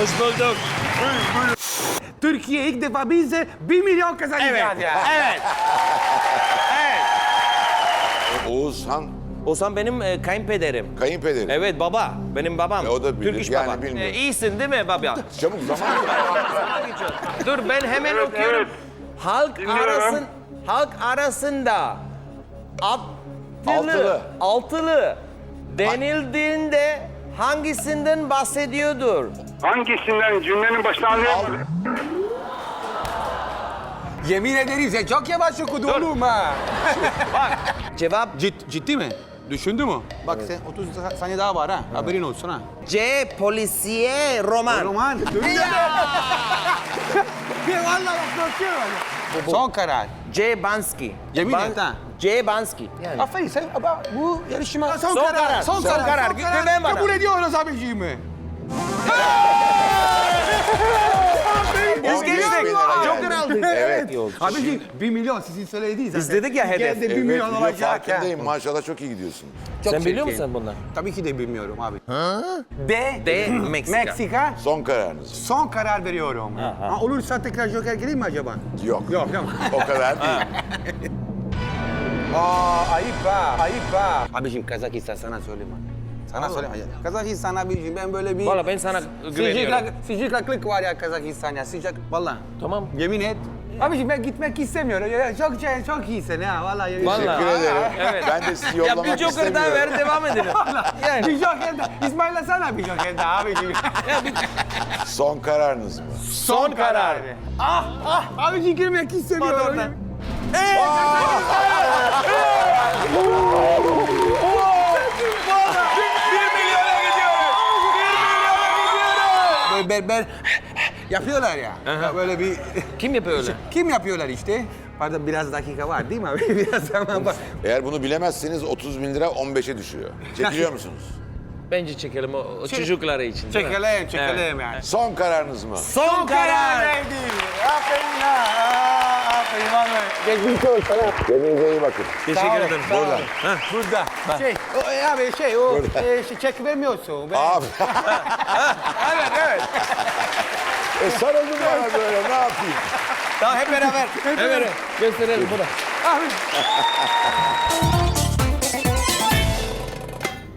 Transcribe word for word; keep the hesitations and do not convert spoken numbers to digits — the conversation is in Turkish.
Hoş bulduk. Türkiye ilk defa biz de bir milyon kazanacağız Evet. ya. Evet. Evet. Oğuzhan Oğuzhan benim e, kayınpederim. kayınpederi. Evet baba. Benim babam. E, o da bilir. Türk iş Yani baba. bilmiyor. E, iyisin değil mi baba? Çabuk zaman. Dur ben hemen Evet, okuyorum. evet. Halk Dinliyorum. arasın halk arasında altılı Altılı. altılı denildiğinde hangisinden bahsediyordur? Hangisinden cümlenin başına anlayamadım. Yemin ederim sen çok yavaş okudun oğlum ha. Cevap Cid, ciddi mi? Düşündü mü? Bak sen otuz saniye daha var ha. Haberin olsun ha. C. Polisiye roman. Roman. Bir vallahi bak korkuyorum. Son karar. C. Bansky. Yemin et ha. C. Bansky. Yani. Aferin sen ama bu yarışma son, Son karar, Son, son karar. karar. Son Güven bana. Kabul ediyoruz abiciğimi. Biz on beş geçtik. bin lira Joker geldi. aldık. Evet. Abiciğim bir milyon sizin söylediğiniz zaten. Biz dedik ya Bir hedef. kere de bir Evet, milyon biliyorum, olacak ha. farkındayım. Maşallah çok iyi gidiyorsun. Çok Sen biliyor çirkin. musun bunları? Tabii ki de bilmiyorum abi. D. D. Meksika. Meksika. Son kararınız. Son karar veriyorum. Ha, olursa tekrar Joker gireyim mi acaba? Yok. Yok yok. O kadar değil. Aa ayıp ha, ayıp ha. Abiciğim Kazakistan sana söyleme. Sana söyleme. Kazakistan abiciğim ben böyle bir... Valla ben sana güveniyorum. Sıcak, sıcaklık var ya Kazakistan ya sıcak. Valla. Tamam. Yemin et. Abiciğim ben gitmek istemiyorum. Ya, çok şey, çok iyisin ha valla. Vallahi. Teşekkür ederim. Evet. Ben de sizi Ya yollamak bir Joker daha istemiyorum. ver devam edelim. Yani. Bir Joker daha. İsmail'e sana bir Joker daha abiciğim. Son kararınız mı? Son karar. Ah ah abiciğim girmek istemiyorum. Hadi oradan. Böyle berber yapıyorlar ya. Ya böyle bir... Kim yapıyor öyle? Kim yapıyorlar işte? Pardon biraz dakika var değil mi abi? Biraz zaman var. Eğer bunu bilemezseniz otuz bin lira on beşe düşüyor. Çekiliyor musunuz? Bence çekelim o, o çocukları için. değil mi? Çekelim, çekelim yani. Son kararınız mı? Son karar. verdi. Aferin ha. Aferin vallahi. Kendinize iyi bakın. Teşekkür ederim. Burada. Burada. Şey, o, e, abi şey o e, şey, çek vermiyorsun. Ben... Abi. Evet evet. E sarıldım bana böyle ne yapayım? Tamam hep beraber. Hep beraber. Gösterelim burada. Abi.